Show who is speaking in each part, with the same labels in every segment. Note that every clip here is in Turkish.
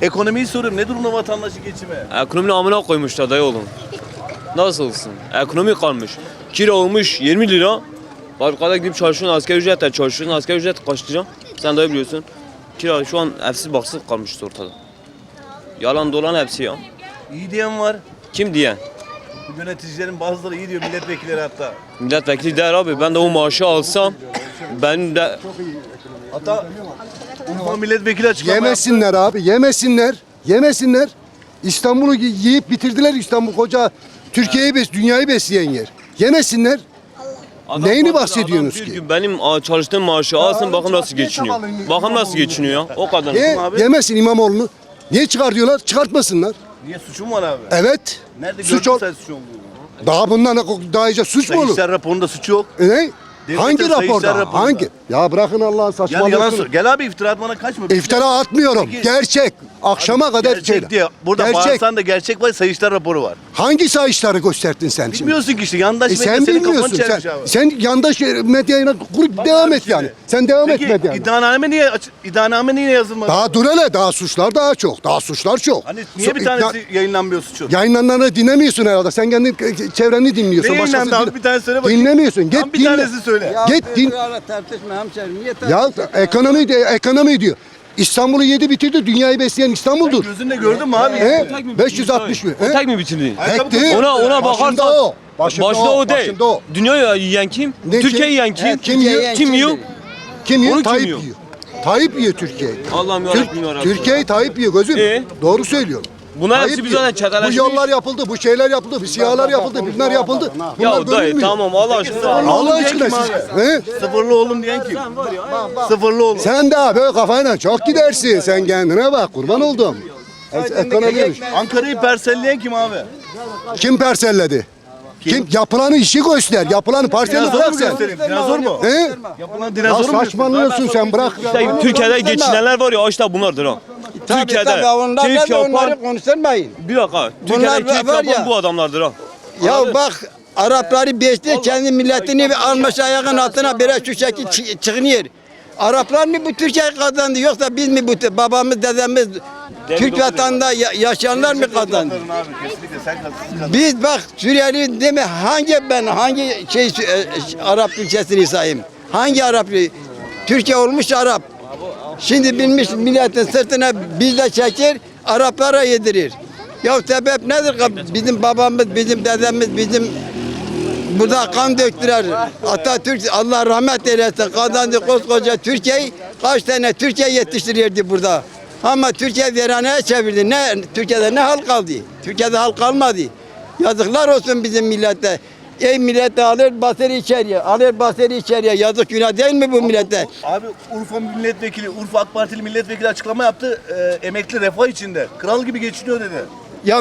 Speaker 1: Ekonomiyi soruyorum. Ne durumda vatandaşı geçimi?
Speaker 2: Ekonominin amına koymuşlar dayı oğlum. Nasılsın? Ekonomi kalmış. Kira olmuş 20 lira. Fabrikada gidip çalışıyorsun, asgari ücretle çalışıyorsun. Asgari ücret kaç lira? Sen de biliyorsun. Kira şu an evsiz baksız kalmış ortada. Yalan dolan hepsi ya.
Speaker 1: İyi diyen var.
Speaker 2: Kim diyen?
Speaker 1: Yöneticilerin bazıları iyi diyor, milletvekilleri hatta.
Speaker 2: Milletvekili der abi, ben de o maaşı alsam ben de...
Speaker 1: Hatta Urfa milletvekili açıklama
Speaker 3: Yemesinler abi, yemesinler. Yemesinler. İstanbul'u yiyip bitirdiler. İstanbul koca Türkiye'yi dünyayı besleyen yer. Yemesinler.
Speaker 2: Adam
Speaker 3: Neyini
Speaker 2: adam
Speaker 3: bahsediyorsunuz
Speaker 2: bir
Speaker 3: ki?
Speaker 2: gün benim çalıştığım maaşı alsın, bakın nasıl geçiniyor. Bakın nasıl geçiniyor ya, o kadar.
Speaker 1: abi?
Speaker 3: Yemesin İmamoğlu'nu. Niye çıkar diyorlar? Çıkartmasınlar.
Speaker 1: Niye suçum var abi?
Speaker 3: Evet.
Speaker 1: Nerede
Speaker 3: Suç
Speaker 1: gördün
Speaker 3: ol.
Speaker 1: sen suç olduğunu?
Speaker 3: Daha bundan daha iyice suç mu olur?
Speaker 1: Sayıştay raporunda suç yok.
Speaker 3: Ne?
Speaker 1: Devletin
Speaker 3: Hangi
Speaker 1: Sayıştay
Speaker 3: raporda?
Speaker 1: raporunda.
Speaker 3: Hangi? Ya bırakın Allah'ın
Speaker 1: Yalan
Speaker 3: saçmalıyorsunuz.
Speaker 1: Gel abi, iftira atmana kaçma.
Speaker 3: İftira atmıyorum.
Speaker 1: Peki-
Speaker 3: Gerçek. Akşama kadar
Speaker 1: Gerçek
Speaker 3: söyle.
Speaker 1: diye. Burada
Speaker 3: Gerçek.
Speaker 1: bağırsan da gerçek var, Sayıştay raporu var.
Speaker 3: Hangi sayışları gösterdin sen şimdi?
Speaker 1: Bilmiyorsun ki işte, yandaş medya
Speaker 3: Sen
Speaker 1: senin kafanı
Speaker 3: bilmiyorsun.
Speaker 1: çelmiş abi.
Speaker 3: Sen yandaş medyayla kurup
Speaker 1: Bak
Speaker 3: devam
Speaker 1: abi
Speaker 3: et
Speaker 1: şimdi.
Speaker 3: yani. Sen devam et
Speaker 1: Peki
Speaker 3: medyayla.
Speaker 1: iddianame niye yazılmadı?
Speaker 3: Daha dur hele. Daha suçlar daha çok. Daha suçlar çok.
Speaker 1: Hani niye bir tanesi yayınlanmıyor suçun?
Speaker 3: Yayınlananları dinlemiyorsun herhalde. Sen kendi çevreni dinliyorsun.
Speaker 1: Ne yayınlandı
Speaker 3: Başkası
Speaker 1: abi? Bir tane söyle bakayım.
Speaker 3: Dinlemiyorsun. Git
Speaker 1: Tam bir
Speaker 3: dinle.
Speaker 1: tanesi söyle.
Speaker 3: Git din.
Speaker 4: Tartışma hemşerim. Niye
Speaker 3: Ya ekonomi diyor. İstanbul'u yedi bitirdi. Dünyayı besleyen İstanbul'dur.
Speaker 1: Gözünle gördün mü abi?
Speaker 3: He? 560 bin.
Speaker 2: O tek mi bitirdi?
Speaker 3: Tek değil.
Speaker 2: Ona
Speaker 3: Başında
Speaker 2: bakarsan
Speaker 3: o. Başında
Speaker 2: o değil.
Speaker 3: Başında o.
Speaker 2: Dünyayı yiyen kim?
Speaker 3: Ne
Speaker 2: Türkiye'yi
Speaker 3: kim?
Speaker 2: yiyen kim?
Speaker 3: Kim yiyor?
Speaker 2: Kim yiyor?
Speaker 3: Kim yiyor?
Speaker 2: Onu kim
Speaker 3: Tayyip
Speaker 2: yiyor?
Speaker 3: yiyor. Tayyip yiyor Türkiye'yi.
Speaker 2: Allah'ım yarabbim yarabbim.
Speaker 3: Türkiye'yi Tayyip yiyor gözüm. Doğru söylüyorum.
Speaker 2: Bunlar
Speaker 3: Tayyip
Speaker 2: hepsi bir
Speaker 3: yiyor.
Speaker 2: zaten
Speaker 3: Bu
Speaker 2: çeteleşmiş.
Speaker 3: yollar yapıldı, bu şeyler yapıldı, bu sihalar yapıldı, bunlar yapıldı. Bunlar
Speaker 2: Ya dayı
Speaker 3: görünmüyor.
Speaker 2: tamam Allah aşkına.
Speaker 3: Allah
Speaker 1: Diyen
Speaker 3: aşkına
Speaker 1: kim
Speaker 3: siz.
Speaker 1: abi?
Speaker 3: He?
Speaker 1: Sıfırlı oğlum diyen kim? Sıfırlı oğlum.
Speaker 3: Sen daha böyle kafayla çok gidersin. Sen kendine bak, kurban oldum. Ekonomiymiş.
Speaker 1: Ankara'yı parselleyen kim abi?
Speaker 3: Kim parselledi? Kim? Yapılanı işi göster. Yapılanı parseli
Speaker 1: Dinozor
Speaker 3: bırak
Speaker 1: mu
Speaker 3: sen.
Speaker 1: göstereyim? Dinozor mu?
Speaker 3: He?
Speaker 1: Yapılan
Speaker 3: Ya
Speaker 1: dinozor mu?
Speaker 3: saçmalıyorsun sen bırak.
Speaker 2: İşte Türkiye'de geçinenler var ya işte bunlardır ha. Türkiye'de keyif yapan
Speaker 4: onları konuşturmayın.
Speaker 2: bir dakika. Türkiye'de
Speaker 4: Bunlar
Speaker 2: keyif
Speaker 4: var
Speaker 2: yapan
Speaker 4: ya.
Speaker 2: bu adamlardır ha.
Speaker 4: Ya bak Arapları beşti kendi milletini bir almış ayağın altına biraz şu şekil çıkınıyor. Araplar mı bu Türkiye kazandı yoksa biz mi bu babamız dedemiz Türk vatanında yaşayanlar mı kazandı?
Speaker 1: Abi kesinlikle sen kazandın.
Speaker 4: Biz bak Suriyeli deme hangi Arap ülkesini sayayım? Hangi Arap? Türkiye olmuş Arap. Şimdi bilmiş milletin sırtına bizle çekir, Araplara yedirir. Ya sebep nedir? Bizim babamız, bizim dedemiz, bizim burada kan döktüler. Atatürk Allah rahmet eylesin kazandı koskoca Türkiye'yi. Kaç tane Türkiye yetiştiriyordu burada. Ama Türkiye veraneye çevirdi. Türkiye'de ne hal kaldı? Türkiye'de hal kalmadı. Yazıklar olsun bizim millete. Ey millete alır basır içeriye. Alır basır içeriye. Yazık günah değil mi bu millete?
Speaker 1: Abi Urfa milletvekili, Urfa AK Partili milletvekili açıklama yaptı. Emekli refah içinde. Kral gibi geçiniyor dedi.
Speaker 4: Ya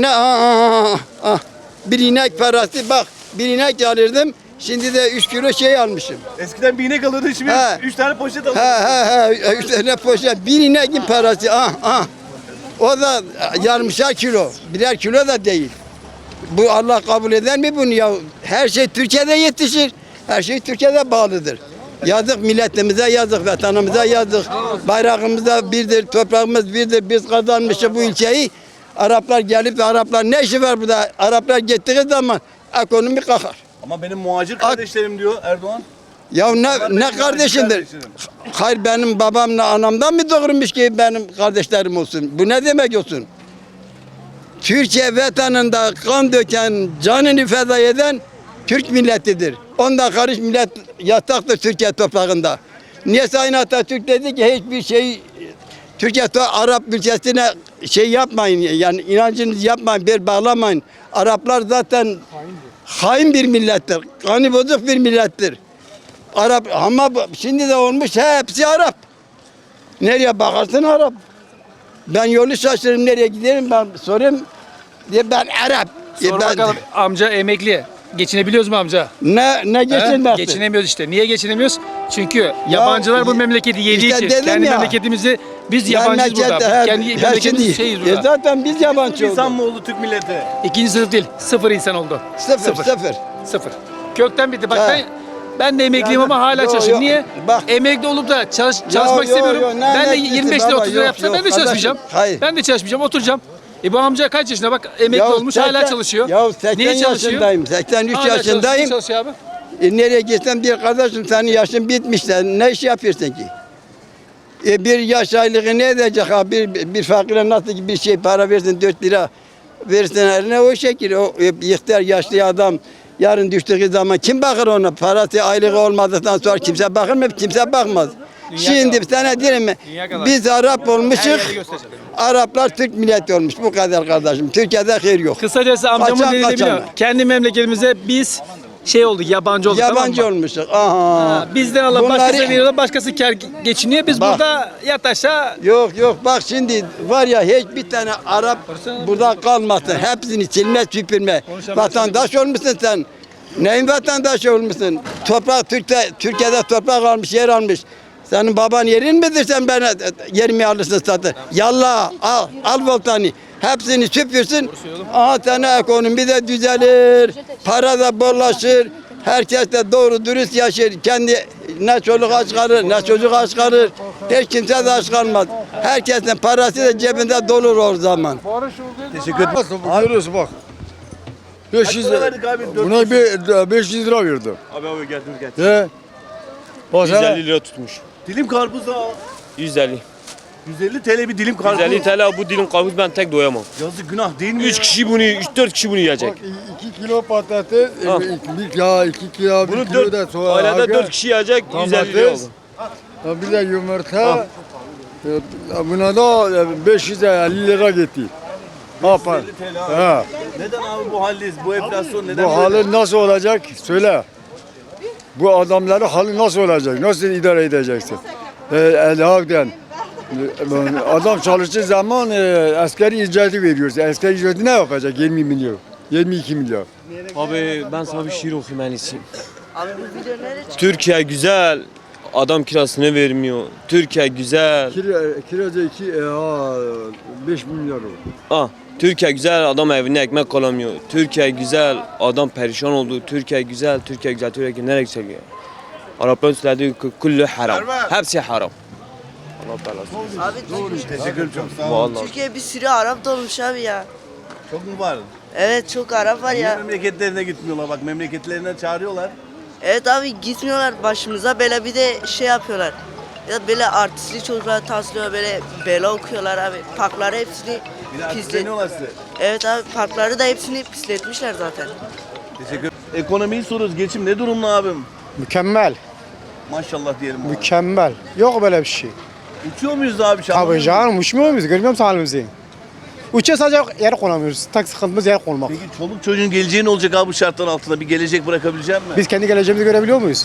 Speaker 4: bir inek parası bak. Bir inek alırdım. Şimdi de 3 kilo şey almışım.
Speaker 1: Eskiden bir inek alıyordu, şimdi
Speaker 4: He.
Speaker 1: 3 tane poşet alıyor.
Speaker 4: He. 3 tane poşet. Bir inekin parası. O da yarmışar kilo. Birer kilo da değil. Bu Allah kabul eder mi bunu ya? Her şey Türkiye'de yetişir. Her şey Türkiye'de bağlıdır. Yazık milletimize yazık, vatanımıza yazık. Bayrağımız da birdir, toprağımız birdir. Biz kazanmışız bu ülkeyi. Araplar gelip de Araplar ne işi var burada? Araplar gittiği zaman ekonomi kalkar.
Speaker 1: Ama benim muhacir kardeşlerim diyor Erdoğan.
Speaker 4: Ya ne kardeşimdir? Hayır benim babamla anamdan mı doğurmuş ki benim kardeşlerim olsun? Bu ne demek olsun? Türkiye vatanında kan döken, canını feda eden Türk milletidir. Ondan karış millet yataktır Türkiye toprağında. Niye Sayın Atatürk dedi ki hiçbir şey Türkiye Arap ülkesine şey yapmayın yani inancınızı yapmayın, bir bağlamayın. Araplar zaten hain bir millettir. Kanı bozuk bir millettir. Arap ama şimdi de olmuş hepsi Arap. Nereye bakarsın Arap. Ben yolu şaşırırım nereye giderim ben sorayım diye ben Arap.
Speaker 5: Sor bakalım amca emekli. Geçinebiliyoruz mu amca?
Speaker 4: Ne geçinmezsin?
Speaker 5: Geçinemiyoruz işte. Niye geçinemiyoruz? Çünkü yabancılar bu memleketi yediği
Speaker 4: işte
Speaker 5: için.
Speaker 4: dedim
Speaker 5: Kendi
Speaker 4: ya.
Speaker 5: memleketimizi biz yabancıyız burada. Kendi memleketimiz şeyiz burada.
Speaker 4: Zaten biz yabancı
Speaker 1: İnsan
Speaker 4: olduk.
Speaker 1: mı oldu Türk milleti?
Speaker 5: İkinci sınıf değil. Sıfır insan oldu.
Speaker 4: Sıfır.
Speaker 5: Sıfır. Kökten bitti. Bak
Speaker 4: Ha.
Speaker 5: Ben de emekliyim ama hala
Speaker 4: Yok,
Speaker 5: çalışıyorum.
Speaker 4: yok.
Speaker 5: Niye?
Speaker 4: Bak.
Speaker 5: Emekli olup da çalışmak
Speaker 4: yok,
Speaker 5: istemiyorum.
Speaker 4: yok. Ne
Speaker 5: Ben de
Speaker 4: emeklisi
Speaker 5: 25 lira
Speaker 4: baba?
Speaker 5: 30 lira
Speaker 4: Yok,
Speaker 5: yapsam
Speaker 4: yok.
Speaker 5: ben de çalışmayacağım.
Speaker 4: Hayır.
Speaker 5: Ben de çalışmayacağım, oturacağım. Bu amca kaç yaşında bak emekli
Speaker 4: Ya
Speaker 5: olmuş hala çalışıyor.
Speaker 4: Ya 80
Speaker 5: Niye çalışıyor?
Speaker 4: yaşındayım. 83
Speaker 5: Hala
Speaker 4: yaşındayım.
Speaker 5: çalışıyor abi.
Speaker 4: Nereye gitsem diyor kardeşim senin yaşın bitmiş. Sen ne iş yapıyorsun ki? Bir yaş aylığı ne edecek abi? Bir fakire nasıl bir şey para versin 4 lira versin eline o şekil. O ihtiyar yaşlı adam yarın düştüğü zaman kim bakır ona? Parası aylığı olmadıktan sonra kimse bakır mı? Kimse bakmaz. Şimdi sana diyeyim mi?
Speaker 5: kadar.
Speaker 4: Biz Arap olmuşuz.
Speaker 5: Her yeri göstereceğim.
Speaker 4: Araplar Türk milleti olmuş. Bu kadar kardeşim. Türkiye'de hayır yok.
Speaker 5: Kısacası amcamın
Speaker 4: Kaçan
Speaker 5: dediğini
Speaker 4: kaçan.
Speaker 5: biliyor. Kendi memleketimize biz şey olduk, yabancı olduk.
Speaker 4: Yabancı
Speaker 5: tamam mı?
Speaker 4: olmuşuz. Aha.
Speaker 5: Ha, bizden alıp
Speaker 4: Bunları-
Speaker 5: başkasına veriyorlar, başkası kar geçiniyor. Biz
Speaker 4: Bak.
Speaker 5: burada yat aşağı
Speaker 4: Yok bak şimdi var ya hiçbir tane Arap burada kalmasın. Hepsini silme süpürme. Vatandaş olmuşsun sen. Neyin vatandaşı olmuşsun? Toprak Türkiye'de toprak almış, yer almış. Senin baban yerin midir sen bana yerimi alırsın satın? Yallah al voltanı. Hepsini süpürsün. Aha sana ekonomi de düzelir. Para da bollaşır. Herkes de doğru dürüst yaşar. Kendi ne çoluk aç kalır, ne çocuk aç kalır. Hiç kimse de aç kalmaz. Herkesin parası da cebinde dolur o zaman.
Speaker 1: Teşekkür ederim.
Speaker 6: Görüyorsun bak. 500
Speaker 1: Kaç para verdik abi?
Speaker 6: Buna bir 500 lira verdim.
Speaker 2: Abi getir.
Speaker 6: He? Bak sana
Speaker 2: 150 lira tutmuş.
Speaker 1: Dilim karpuz da
Speaker 2: 150.
Speaker 1: 150 TL bir dilim karpuz.
Speaker 2: 150 TL bu dilim karpuz ben tek doyamam.
Speaker 1: Yazık günah değil mi
Speaker 2: 3
Speaker 1: ya?
Speaker 2: kişi bunu, 3-4 kişi bunu yiyecek.
Speaker 6: bak 2 kilo patates,
Speaker 2: Al.
Speaker 6: 2 kilo, 1
Speaker 2: Bunu
Speaker 6: kilo da
Speaker 2: 4, ailede 4 kişi yiyecek 150 lira oldu.
Speaker 6: Bir de yumurta. Buna da 550 lira gitti. Ne yapar?
Speaker 1: 150 TL abi.
Speaker 6: Ha.
Speaker 1: Neden abi bu haldeyiz? Bu enflasyon neden
Speaker 6: Bu
Speaker 1: böyle?
Speaker 6: hali nasıl olacak? Söyle. Bu adamların hali nasıl olacak? Nasıl idare edeceksin? Hakikaten. Adam çalıştığı zaman asgari ücreti veriyoruz. Asgari ücreti ne yapacak? 20 milyon. 22 milyon.
Speaker 2: Abi ben sana bir şiir okuyayım en iyisi. Türkiye güzel, adam kirasını vermiyor. Türkiye güzel.
Speaker 6: Kiraca 5 milyon oldu.
Speaker 2: Türkiye güzel, adam evine ekmek alamıyor. Türkiye güzel, adam perişan oldu. Türkiye güzel, Türkiye güzel, Türkiye nereye yükseliyor? Arapların söylediği kullu haram. Hepsi haram. Allah belası.
Speaker 7: Abi
Speaker 1: Teşekkür ederim çok sağ olun.
Speaker 2: Vallahi.
Speaker 7: Türkiye bir sürü Arap dolmuş abi ya.
Speaker 1: Çok mu var?
Speaker 7: Evet çok Arap var
Speaker 1: Niye
Speaker 7: ya.
Speaker 1: memleketlerine gitmiyorlar? Bak memleketlerine çağırıyorlar.
Speaker 7: Evet abi gitmiyorlar başımıza böyle bir de şey yapıyorlar. Ya böyle artistli çocuklar taslıyor böyle bela okuyorlar abi. Parkları hepsini
Speaker 1: Bir de
Speaker 7: pislet.
Speaker 1: artistleniyorlar size.
Speaker 7: Evet abi parkları da hepsini pisletmişler zaten.
Speaker 1: Teşekkür ederim. Ekonomiyi soruyoruz. Geçim ne durumda abim?
Speaker 8: Mükemmel,
Speaker 1: Maşallah diyelim. abi.
Speaker 8: mükemmel. Yok böyle bir şey.
Speaker 1: Uçuyor muyuz abi?
Speaker 8: Tabii canım uçmuyor muyuz? Görmüyor musun halimizi? Uçuyor sadece yer konamıyoruz. Tek sıkıntımız yer konmak.
Speaker 1: Peki çoluk çocuğun geleceği ne olacak abi bu şartlar altında? Bir gelecek bırakabilecek misin?
Speaker 8: Biz kendi geleceğimizi görebiliyor muyuz?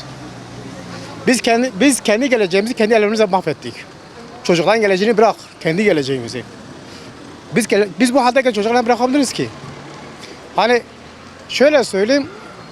Speaker 8: Biz kendi geleceğimizi kendi ellerimizle mahvettik. Çocukların geleceğini bırak, kendi geleceğimizi. Biz bu haldeyken çocuklarla bırakabiliriz ki. Hani şöyle söyleyeyim.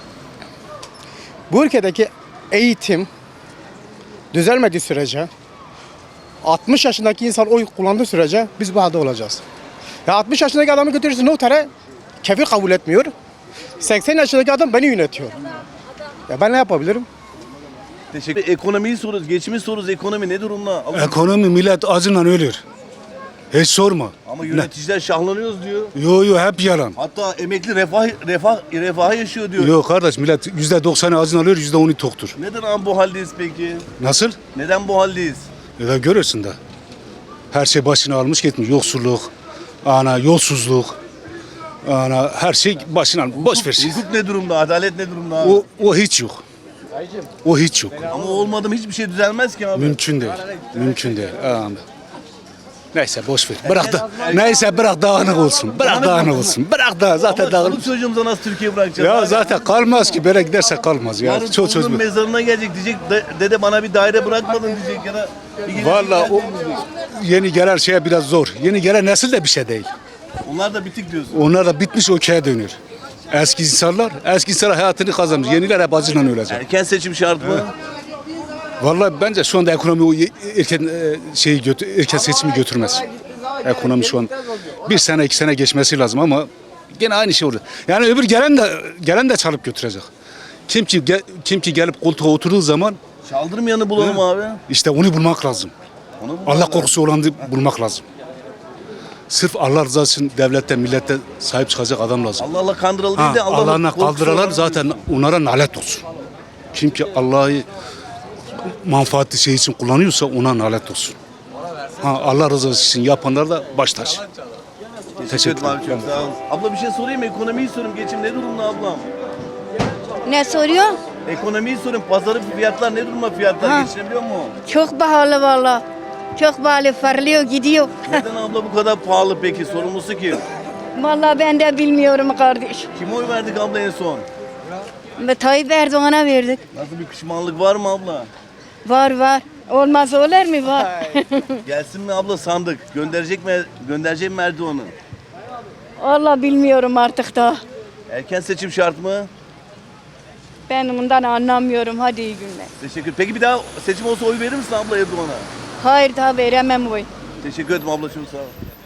Speaker 8: Bu ülkedeki eğitim düzelmediği sürece 60 yaşındaki insan oy kullandığı sürece biz bu halde olacağız. Ya 60 yaşındaki adamı götürürsün notere, kefil kabul etmiyor. 80 yaşındaki adam beni yönetiyor. Ya ben ne yapabilirim?
Speaker 1: Teşekkür. Ekonomiyi soruyoruz. Geçimi soruyoruz. Ekonomi ne durumda?
Speaker 9: Ekonomi millet acıyla ölür. Hiç sorma.
Speaker 1: Ama yöneticiler şahlanıyoruz diyor.
Speaker 9: Yo hep yalan.
Speaker 1: Hatta emekli refah yaşıyor diyor.
Speaker 9: Yo kardeş millet %90'ı acıyla ölür, %10'u toktur.
Speaker 1: Neden abi bu haldeyiz peki?
Speaker 9: Nasıl?
Speaker 1: Neden bu haldeyiz?
Speaker 9: Ya görürsün de. Her şey başına almış gitmiş. Yoksulluk, yolsuzluk, her şey başına almış. Boş ver.
Speaker 1: Hukuk ne durumda? Adalet ne durumda abi?
Speaker 9: O hiç yok. O hiç yok.
Speaker 1: Ama olmadı mı hiçbir şey düzelmez ki abi.
Speaker 9: Mümkün değil. Mümkün değil. Neyse boş ver. Bırak da. Neyse bırak dağınık olsun. Bırak dağınık olsun. Bırak da zaten
Speaker 1: Ama
Speaker 9: dağınık.
Speaker 1: çoluk çocuğumuza nasıl Türkiye bırakacağız?
Speaker 9: Ya
Speaker 1: abi?
Speaker 9: zaten kalmaz ki. Böyle giderse kalmaz ya.
Speaker 1: Yarın
Speaker 9: Çok
Speaker 1: torunun
Speaker 9: çocuk.
Speaker 1: mezarına gelecek diyecek. Dede bana bir daire bırakmadın diyecek ya da bir gelecek
Speaker 9: Vallahi o
Speaker 1: gelecek diyecek.
Speaker 9: yeni gelen şeye biraz zor. Yeni gelen nesil de bir şey değil.
Speaker 1: Onlar da bitik diyorsun.
Speaker 9: Onlar da bitmiş okey'e dönüyor. Eski insanlar hayatını kazanmış. Yeniler hep acıyla ölecek.
Speaker 1: Erken seçim şart mı?
Speaker 9: Vallahi bence şu anda ekonomi o erken seçimi götürmez. Ekonomi şu an 1 sene 2 sene geçmesi lazım ama gene aynı şey olacak. Yani öbür gelen de çalıp götürecek. Kim ki gelip koltuğa oturduğu zaman
Speaker 1: Çaldırmayanı bulalım abi.
Speaker 9: işte onu bulmak lazım.
Speaker 1: Onu bulalım.
Speaker 9: Allah korkusu olanı bulmak lazım. Sırf Allah rızası için devlette, millete sahip çıkacak adam lazım.
Speaker 1: Allah Allah kandıralım değil de
Speaker 9: Allah'ına
Speaker 1: korkusu
Speaker 9: kaldıralar
Speaker 1: olan-
Speaker 9: zaten onlara nalet olsun. Kim ki Allah'ı manfaatli şey için kullanıyorsa ona nalet olsun. Allah rızası için yapanlar da baş taş.
Speaker 1: Teşekkür ederim abi, çok sağ olun. Abla bir şey sorayım mı? Ekonomiyi sorayım. Geçim ne durumda ablam?
Speaker 10: Ne soruyor?
Speaker 1: Ekonomiyi sorayım. Pazarı fiyatlar ne durumda? Fiyatlar geçinebiliyor mu?
Speaker 10: Çok pahalı valla. Çok pahalı, fırlıyor gidiyor.
Speaker 1: Neden abla bu kadar pahalı peki? Sorumlusu kim?
Speaker 10: Valla ben de bilmiyorum kardeş.
Speaker 1: Kime oy verdik abla en son?
Speaker 10: Ve Tayyip Erdoğan'a verdik.
Speaker 1: Nasıl bir pişmanlık var mı abla?
Speaker 10: Var. Olmaz olur mu? Var.
Speaker 1: Gelsin mi abla sandık? Gönderecek mi Erdoğan'ı?
Speaker 10: Valla bilmiyorum artık da.
Speaker 1: Erken seçim şart mı?
Speaker 10: Ben bundan anlamıyorum. Hadi iyi günler.
Speaker 1: Teşekkür. Peki bir daha seçim olsa oy verir misin abla Erdoğan'a?
Speaker 10: Hayır daha veremem oy.
Speaker 1: Teşekkür ederim abla, çok sağ ol.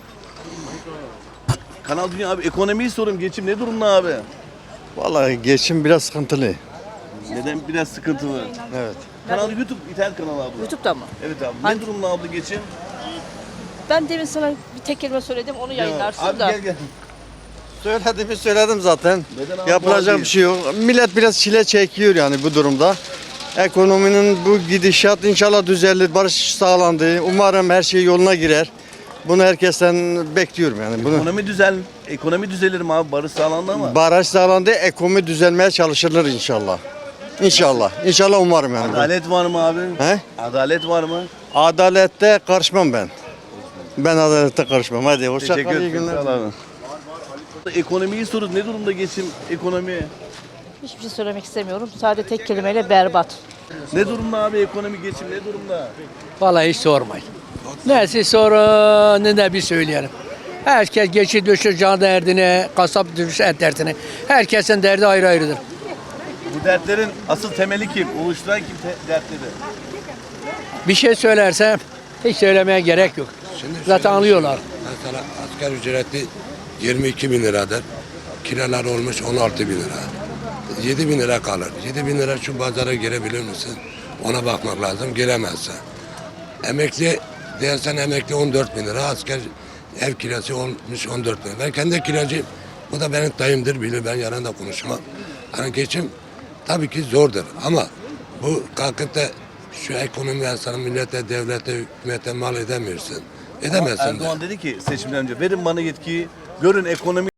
Speaker 1: Kanal Dünya abi, ekonomiyi sorayım. Geçim ne durumda abi?
Speaker 6: Vallahi geçim biraz sıkıntılı.
Speaker 1: Neden biraz sıkıntılı?
Speaker 6: Evet.
Speaker 1: Kanal YouTube, internet kanalı abla.
Speaker 11: YouTube'da mı?
Speaker 1: Evet abi. Ne durumda abla geçim?
Speaker 11: Ben demin sana bir tek kelime söyledim, onu yayınlarsın
Speaker 1: abi
Speaker 11: da.
Speaker 1: gel.
Speaker 6: Söyledim zaten.
Speaker 1: Neden abi?
Speaker 6: Yapılacak
Speaker 1: Abi.
Speaker 6: bir şey yok. Millet biraz çile çekiyor yani bu durumda. Ekonominin bu gidişat inşallah düzelir, barış sağlandı. Umarım her şey yoluna girer. Bunu herkesten bekliyorum yani. Bunu
Speaker 1: Ekonomi düzelir mi abi? Barış sağlandı ama.
Speaker 6: barış sağlandı, ekonomi düzelmeye çalışılır inşallah. İnşallah umarım yani.
Speaker 1: Adalet var mı abi?
Speaker 6: He?
Speaker 1: Adalet var mı?
Speaker 6: Adalette karışmam ben. Ben adalette karışmam. Hadi hoşça
Speaker 1: Teşekkür
Speaker 6: kal, iyi
Speaker 1: ederim.
Speaker 6: günler.
Speaker 1: Sağ ol abi. Ekonomiyi sorun. Ne durumda geçim ekonomi?
Speaker 11: Hiçbir şey söylemek istemiyorum. Sadece tek kelimeyle berbat.
Speaker 1: Ne durumda abi ekonomi geçim ne durumda?
Speaker 12: Vallahi hiç sormayın. Neyse sorun ne bir söyleyelim. Herkes geçi düşür can derdine, kasap düşür et derdine. Herkesin derdi ayrı ayrıdır.
Speaker 1: Bu dertlerin asıl temeli kim? Oluşturan kim dertleri?
Speaker 12: Bir şey söylersem hiç söylemeye gerek yok. Zaten anlıyorlar.
Speaker 13: Mesela asgari ücreti 22 bin liradır. Kiralar olmuş 16 bin lira. 7 bin lira kalır. 7 bin lira şu pazara girebilir misin? Ona bakmak lazım. Giremezsen. Emekli dersen emekli 14 bin lira. Asker ev kirası olmuş 14 bin lira. Ben kendi kiracıyım. Bu da benim dayımdır bilir. Ben yalan da konuşmam. Hani geçim tabii ki zordur. Ama bu kalkıp da şu ekonomi insanı millete, devlete, hükümete mal edemiyorsun. Edemezsin de.
Speaker 1: Erdoğan dedi ki seçimden önce verin bana yetkiyi, görün ekonomi